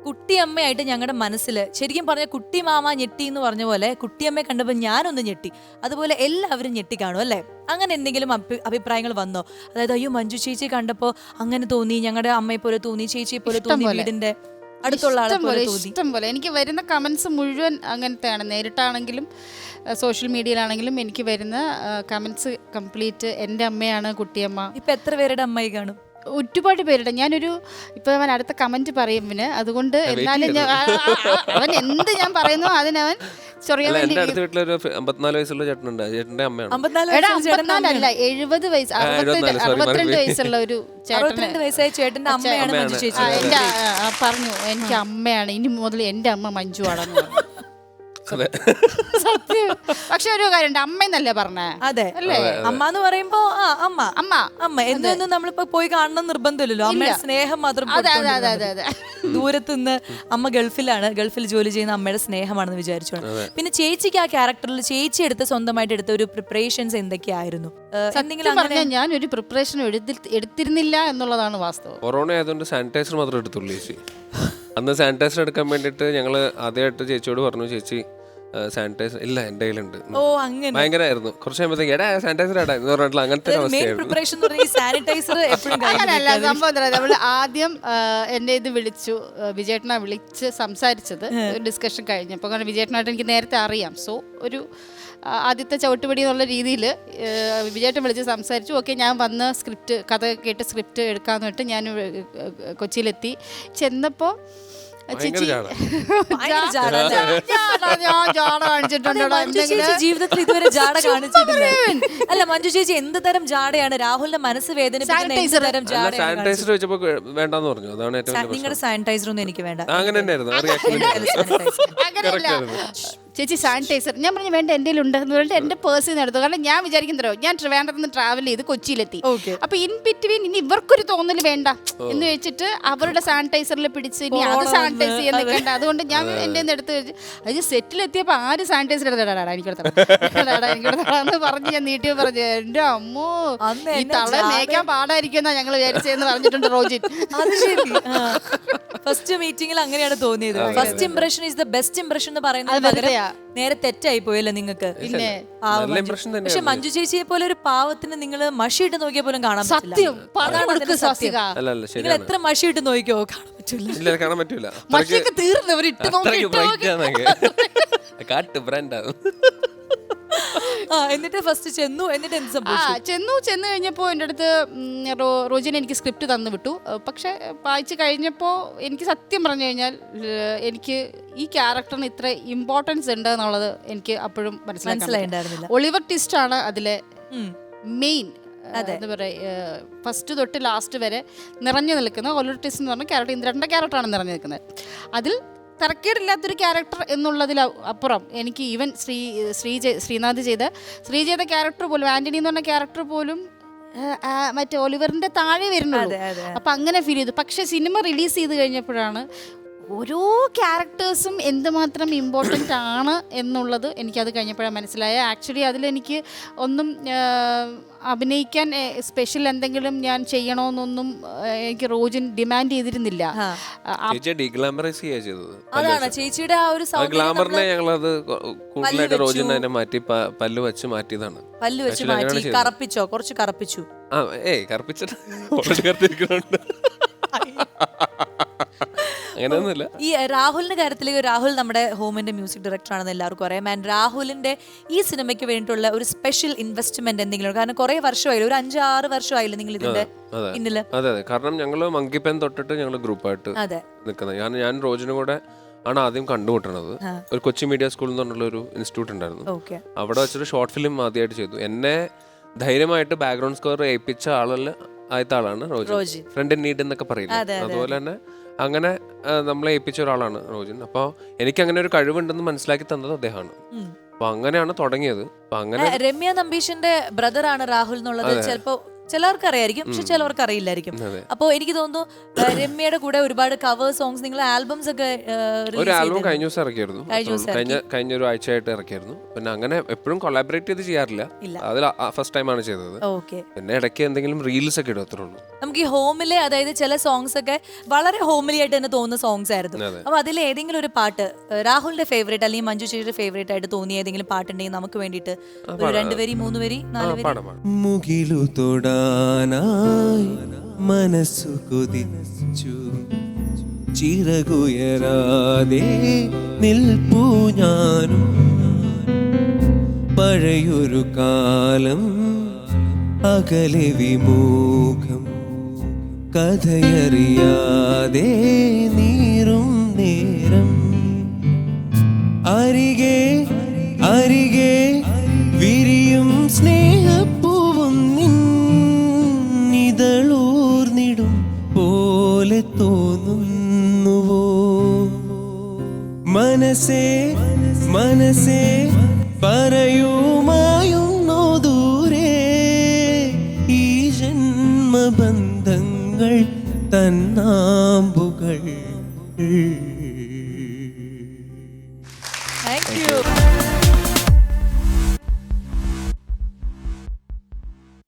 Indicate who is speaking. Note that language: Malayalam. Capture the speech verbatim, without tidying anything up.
Speaker 1: കുട്ടിയമ്മയായിട്ട് ഞങ്ങളുടെ മനസ്സിൽ ശരിക്കും പറഞ്ഞ കുട്ടി മാമ ഞെട്ടി എന്ന് പറഞ്ഞ പോലെ കുട്ടിയമ്മയെ കണ്ടപ്പോൾ ഞാനൊന്ന് ഞെട്ടി, അതുപോലെ എല്ലാവരും ഞെട്ടി കാണും അല്ലേ? അങ്ങനെ എന്തെങ്കിലും അഭിപ്രായങ്ങൾ വന്നോ? അതായത് അയ്യോ മഞ്ജു ചേച്ചി കണ്ടപ്പോ അങ്ങനെ തോന്നി, ഞങ്ങളുടെ അമ്മയെ പോലെ തോന്നി, ചേച്ചിയെ പോലെ തോന്നി, വീടിന്റെ അടുത്തുള്ള ആളെ പോലെ തോന്നി?
Speaker 2: ഇഷ്ടം പോലെ എനിക്ക് വരുന്ന കമന്റ്സ് മുഴുവൻ അങ്ങനത്തെയാണ്. നേരിട്ടാണെങ്കിലും സോഷ്യൽ മീഡിയയിലാണെങ്കിലും എനിക്ക് വരുന്ന കമന്റ്സ് കംപ്ലീറ്റ് എൻ്റെ അമ്മയാണ് കുട്ടിയമ്മ.
Speaker 1: ഇപ്പൊ എത്ര പേരുടെ അമ്മായി കാണും?
Speaker 2: ഒരുപാട് പേരുടെ. ഞാനൊരു ഇപ്പൊ അവൻ അടുത്ത കമന്റ് പറയും പിന്നെ, അതുകൊണ്ട് എന്നാലും അവൻ എന്ത് ഞാൻ പറയുന്നു അതിനവൻ ചൊറിയാൻ വേണ്ടി.
Speaker 3: അമ്പത്തിനാല് വയസ്സുള്ള ചേട്ടനുണ്ട്, ചേട്ടന്റെ അമ്മയാണ്.
Speaker 2: അമ്പത്തിനാലല്ല എഴുപത് വയസ്സ് അറുപത്തിരണ്ട് അറുപത്തിരണ്ട് വയസ്സുള്ള ഒരു
Speaker 1: അറുപത്തിരണ്ട് വയസ്സായ ചേട്ടന്റെ അമ്മയാണ് മഞ്ജു ചേച്ചി.
Speaker 2: എന്റെ പറഞ്ഞു എനിക്ക് അമ്മയാണ്, ഇനി മുതൽ എന്റെ അമ്മ മഞ്ജു ആണെന്ന് പറഞ്ഞു. സത്യം. പക്ഷെ ഒരു കാര്യം അമ്മ എന്നല്ലേ പറഞ്ഞേ?
Speaker 1: അതെ അല്ലേ? അമ്മ എന്ന് പറയുമ്പോ ആ അമ്മ അമ്മ അമ്മ എന്നൊന്നും നമ്മളിപ്പോ പോയി കാണണം നിർബന്ധമില്ലല്ലോ. അമ്മയുടെ സ്നേഹം മാത്രം. ദൂരത്തുനിന്ന് അമ്മ ഗൾഫിലാണ്, ഗൾഫിൽ ജോലി ചെയ്യുന്ന അമ്മയുടെ സ്നേഹമാണെന്ന് വിചാരിച്ചോളാം. പിന്നെ ചേച്ചിക്ക് ആ ക്യാരക്ടറിൽ ചേച്ചി എടുത്ത് സ്വന്തമായിട്ട് എടുത്ത ഒരു പ്രിപ്പറേഷൻസ് എന്തൊക്കെയായിരുന്നു?
Speaker 2: ഞാൻ ഒരു പ്രിപ്പറേഷൻ എടുത്തിരുന്നില്ല എന്നുള്ളതാണ് വാസ്തവം.
Speaker 3: കൊറോണ ആയതുകൊണ്ട് സാനിറ്റൈസർ മാത്രം എടുത്തുള്ളൂ ചേച്ചി. അന്ന് സാനിറ്റൈസർ എടുക്കാൻ വേണ്ടിയിട്ട് ഞങ്ങള് ആദ്യമായിട്ട് ചേച്ചിയോട് പറഞ്ഞു, ചേച്ചി സാനിറ്റൈസർ ഇല്ല എന്റെ കയ്യിലുണ്ട്.
Speaker 1: ഓ അങ്ങനെ
Speaker 3: ഭയങ്കരമായിരുന്നു. കുറച്ച് കഴിയുമ്പോഴത്തേക്ക് എടാ സാനിറ്റൈസർ ഇടാ എന്ന് പറഞ്ഞിട്ടുള്ള അങ്ങനത്തെ
Speaker 2: അങ്ങനല്ല സംഭവം. നമ്മൾ ആദ്യം എന്റെ ഇത് വിളിച്ചു, വിജയേട്ടനെ വിളിച്ച് സംസാരിച്ചത് ഡിസ്കഷൻ കഴിഞ്ഞപ്പോൾ. കാരണം വിജയേട്ടനായിട്ട് എനിക്ക് നേരത്തെ അറിയാം. സോ ഒരു ആദ്യത്തെ ചവിട്ടുപടി എന്നുള്ള രീതിയിൽ വിജയേട്ടൻ വിളിച്ച് സംസാരിച്ചു. ഓക്കെ ഞാൻ വന്ന് സ്ക്രിപ്റ്റ് കഥ കേട്ട് സ്ക്രിപ്റ്റ് എടുക്കാന്ന് പറഞ്ഞിട്ട് ഞാൻ കൊച്ചിയിലെത്തി. ചെന്നപ്പോൾ ചേച്ചി
Speaker 1: ജീവിതത്തിൽ ഇതുവരെ ജാട കാണിച്ചിട്ടില്ല. അല്ല മഞ്ജു ചേച്ചി എന്ത് തരം ജാടയാണ് രാഹുലിന്റെ മനസ്സ് വേദനിപ്പിക്കുന്ന? നിങ്ങളുടെ സാനിറ്റൈസർ ഒന്നും എനിക്ക് വേണ്ട.
Speaker 2: ചേച്ചി സാനിറ്റൈസർ ഞാൻ പറഞ്ഞു വേണ്ട എൻ്റെ ഉണ്ട് എന്ന് പറഞ്ഞിട്ട് എൻ്റെ പേഴ്സിൽ നിന്ന് എടുത്തു. കാരണം ഞാൻ വിചാരിക്കുന്നതോ ഞാൻ ട്രിവാൻഡ്രത്ത് നിന്ന് ട്രാവൽ ചെയ്ത് കൊച്ചിയിലെത്തി. അപ്പൊ ഇൻ ബിറ്റ്വീൻ ഇനി ഇവർക്കൊരു തോന്നൽ വേണ്ട എന്ന് വെച്ചിട്ട് അവരുടെ സാനിറ്റൈസറിൽ പിടിച്ച് ഇനി അത് സാനിറ്റൈസ് ചെയ്യാൻ നിൽക്കേണ്ട. അതുകൊണ്ട് ഞാൻ എൻ്റെ എടുത്ത് അത് സെറ്റിലെത്തിയപ്പോൾ ആര് സാനിറ്റൈസർ എടുത്തടാടാ എനിക്കെടുത്തടാന്ന് പറഞ്ഞ് ഞാൻ നീട്ടി പറഞ്ഞു. എൻ്റെ അമ്മോ ഈ തള മേക്കാൻ പാടായിരിക്കും എന്നാ ഞങ്ങൾ വിചാരിച്ചതെന്ന് പറഞ്ഞിട്ടുണ്ട് റോജിൻ.
Speaker 1: ഫസ്റ്റ് മീറ്റിംഗിൽ അങ്ങനെയാണ് തോന്നിയത്. First impression is the best impression എന്ന് പറയുന്നത് നേരെ തെറ്റായി പോയല്ലോ നിങ്ങൾക്ക്. പക്ഷെ മഞ്ജു ചേച്ചിയെ പോലെ ഒരു പാവത്തിന് നിങ്ങൾ മഷിയിട്ട് നോക്കിയ പോലും കാണാൻ പറ്റില്ല. നിങ്ങൾ എത്ര മഷിയിട്ട് നോക്കിയോ കാണാൻ പറ്റില്ല.
Speaker 3: കാണാൻ പറ്റൂല.
Speaker 2: മഷിയൊക്കെ തീർന്നവരിട്ട്
Speaker 1: എന്നിട്ട് ഫസ്റ്റ് ചെന്നു. എന്നിട്ട് എന്ത് സംഭവിച്ചു?
Speaker 2: ചെന്നു ചെന്ന് കഴിഞ്ഞപ്പോൾ എൻ്റെ അടുത്ത് റോജിന് എനിക്ക് സ്ക്രിപ്റ്റ് തന്നു വിട്ടു. പക്ഷെ വായിച്ചു കഴിഞ്ഞപ്പോൾ എനിക്ക് സത്യം പറഞ്ഞു കഴിഞ്ഞാൽ എനിക്ക് ഈ ക്യാരക്ടറിന് ഇത്ര ഇമ്പോർട്ടൻസ് ഉണ്ട് എന്നുള്ളത് എനിക്ക് അപ്പോഴും മനസ്സിലായിട്ടുണ്ടായിരുന്നില്ല. ഒളിവർ ട്വിസ്റ്റ് ആണ് അതിലെ മെയിൻ. എന്താ പറയുക, ഫസ്റ്റ് തൊട്ട് ലാസ്റ്റ് വരെ നിറഞ്ഞു നിൽക്കുന്ന ഒളിവർ ട്വിസ്റ്റ് എന്ന് പറഞ്ഞ ക്യാരക്ടർ, ഇന്ദ്രൻ്റെ ക്യാരക്ടറാണ് നിറഞ്ഞു നിൽക്കുന്നത്. അതിൽ തരക്കേടില്ലാത്തൊരു ക്യാരക്ടർ എന്നുള്ളതിൽ അപ്പുറം എനിക്ക് ഈവൻ ശ്രീ ശ്രീ ശ്രീനാഥ് ചെയ്ത ശ്രീ ചെയ്ത ക്യാരക്ടർ പോലും, ആന്റണി എന്ന് പറഞ്ഞ ക്യാരക്ടർ പോലും മറ്റേ ഒലിവറിന്റെ താഴെ വരുന്നുള്ളൂ. അപ്പം അങ്ങനെ ഫീൽ ചെയ്തു. പക്ഷെ സിനിമ റിലീസ് ചെയ്ത് കഴിഞ്ഞപ്പോഴാണ് ഓരോ ക്യാരക്ടേഴ്സും എന്തുമാത്രം ഇമ്പോർട്ടൻ്റ് ആണ് എന്നുള്ളത് എനിക്കത് കഴിഞ്ഞപ്പോഴാണ് മനസ്സിലായത്. ആക്ച്വലി അതിലെനിക്ക് ഒന്നും അഭിനയിക്കാൻ സ്പെഷ്യൽ എന്തെങ്കിലും ഞാൻ ചെയ്യണമെന്നൊന്നും എനിക്ക് റോജിൻ ഡിമാൻഡ് ചെയ്തിരുന്നില്ല.
Speaker 1: അതാണ് ചേച്ചിയുടെ ആ ഒരു
Speaker 3: ഗ്ലാമറിനെ ഞങ്ങളത് കൂടുതലായിട്ട് റോജിൻ അതിനെ മാറ്റി പല്ല് വെച്ച് മാറ്റിയതാണ്.
Speaker 1: പല്ല് വെച്ച് മാറ്റി കറപ്പിച്ചോ? കുറച്ച് കറപ്പിച്ചു.
Speaker 3: ആ ഏയ് കറപ്പിച്ചിട്ട് ഓൾറെഡി കറപ്പിക്കുന്നുണ്ട്. അങ്ങനെയൊന്നുമില്ല.
Speaker 1: ഈ രാഹുലിന്റെ കാര്യത്തിലേക്ക്, രാഹുൽ നമ്മുടെ ഹോമിന്റെ മ്യൂസിക് ഡയറക്ടർ ആണെന്ന് എല്ലാവർക്കും അറിയാം. ആൻഡ് രാഹുലിന്റെ ഈ സിനിമയ്ക്ക് വേണ്ടിയിട്ടുള്ള ഒരു സ്പെഷ്യൽ ഇൻവെസ്റ്റ്മെന്റ് എന്തെങ്കിലും? കാരണം കുറെ വർഷമായില്ല, ഒരു അഞ്ചാറ് വർഷമായില്ല നിങ്ങൾ ഇതിന്റെ പിന്നില്.
Speaker 3: അതെ അതെ, കാരണം ഞങ്ങള് മങ്കി പെൻ തൊട്ടിട്ട് ഞങ്ങൾ ഗ്രൂപ്പായിട്ട് നിൽക്കുന്നത്. ഞാൻ ഞാൻ റോജിനും കൂടെ ആണ് ആദ്യം കണ്ടുമുട്ടണത്. ഒരു കൊച്ചി മീഡിയ സ്കൂൾ എന്ന് പറഞ്ഞുള്ള ഒരു ഇൻസ്റ്റിറ്റ്യൂട്ട് ഉണ്ടായിരുന്നു. അവിടെ വെച്ചൊരു ഷോർട്ട് ഫിലിം ആദ്യമായിട്ട് ചെയ്തു. എന്നെ ധൈര്യമായിട്ട് ബാക്ക്ഗ്രൗണ്ട് സ്കോർ ഏൽപ്പിച്ച ആളല്ല ആദ്യത്തെ ആളാണ് റോജിൻ. ഫ്രണ്ട് ഇൻ നീഡ് എന്നൊക്കെ പറയുന്നത്. അതുപോലെ തന്നെ അങ്ങനെ നമ്മളെ ഏൽപ്പിച്ച ഒരാളാണ് റോജിൻ. അപ്പോൾ എനിക്ക് അങ്ങനെ ഒരു കഴിവുണ്ടെന്ന് മനസ്സിലാക്കി തന്നത് അദ്ദേഹമാണ്. അപ്പൊ അങ്ങനെയാണ് തുടങ്ങിയത്. അപ്പൊ അങ്ങനെ
Speaker 1: രമ്യ നമ്പീഷിന്റെ ബ്രദർ ആണ് രാഹുൽ എന്നുള്ളത് ചിലപ്പോ ചിലവർക്ക് അറിയായിരിക്കും, പക്ഷെ ചിലവർക്ക് അറിയില്ലായിരിക്കും. അപ്പോൾ എനിക്ക് തോന്നുന്നു ആ, രമ്യയുടെ കൂടെ ഒരുപാട് കവർ സോങ്സ് നിങ്ങൾ ആൽബംസ് ഒക്കെ ആ,
Speaker 3: ഒരു
Speaker 1: release
Speaker 3: ആൽബം
Speaker 1: ചെയ്തിരുന്നു.
Speaker 3: കഴിഞ്ഞ ദിവസം ഇറക്കിയായിരുന്നു.
Speaker 1: കഴിഞ്ഞ ദിവസം
Speaker 3: കഴിഞ്ഞ കഴിഞ്ഞ ഒരു ആഴ്ചയായിട്ട് ഇറക്കിയായിരുന്നു. പിന്നെ അങ്ങനെ എപ്പോഴും കൊളാബറേറ്റ് ചെയ്ത് ചെയ്യാറില്ല.
Speaker 1: ഇല്ല.
Speaker 3: അതിൽ ഫസ്റ്റ് ടൈമാണ് ചെയ്തത്.
Speaker 1: ഓക്കെ.
Speaker 3: പിന്നെ ഇടയ്ക്ക് എന്തെങ്കിലും റീൽസ് ഒക്കെ ഇടും, അത്രേ ഉള്ളൂ.
Speaker 1: നമുക്ക് ഈ ഹോമിലെ അതായത് ചില സോങ്സ് ഒക്കെ വളരെ ഹോമിലി ആയിട്ട് തന്നെ തോന്നുന്ന സോങ്സ് ആയിരുന്നു.
Speaker 3: അതെ.
Speaker 1: അപ്പൊ അതിൽ ഏതെങ്കിലും ഒരു പാട്ട് ഏഹ്, രാഹുലിന്റെ ഫേവറേറ്റ് അല്ലെങ്കിൽ മഞ്ജു ചേച്ചിയുടെ ഫേവറേറ്റ് ആയിട്ട് തോന്നിയ ഏതെങ്കിലും പാട്ടുണ്ടെങ്കിൽ നമുക്ക് വേണ്ടിയിട്ട് ഒരു രണ്ട് വരി മൂന്ന് വരി
Speaker 3: ആ,
Speaker 1: നാല് വരി.
Speaker 3: പാടാം പാടാം.
Speaker 4: മുകിലു തൊടാനായി മനസ്സു കൊതിച്ചു ചിറകുയരാതെ നിൽപ്പൂ ഞാനും പഴയൊരു കാലം അകലെ വിമുഖം കഥയറിയാതെ നീറും നേരം അരികെ അരികെ വിരിയും സ്നേഹപ്പൂവും നിന്നിതളൂർന്നിടും പോലെ തോന്നുന്നുവോ മനസ്സേ മനസ്സേ പറയുമായുന്നോ ദൂരെ ഈ ജന്മബന്ധങ്ങൾ തന്നാമ്പുകൾ.
Speaker 1: Thank you.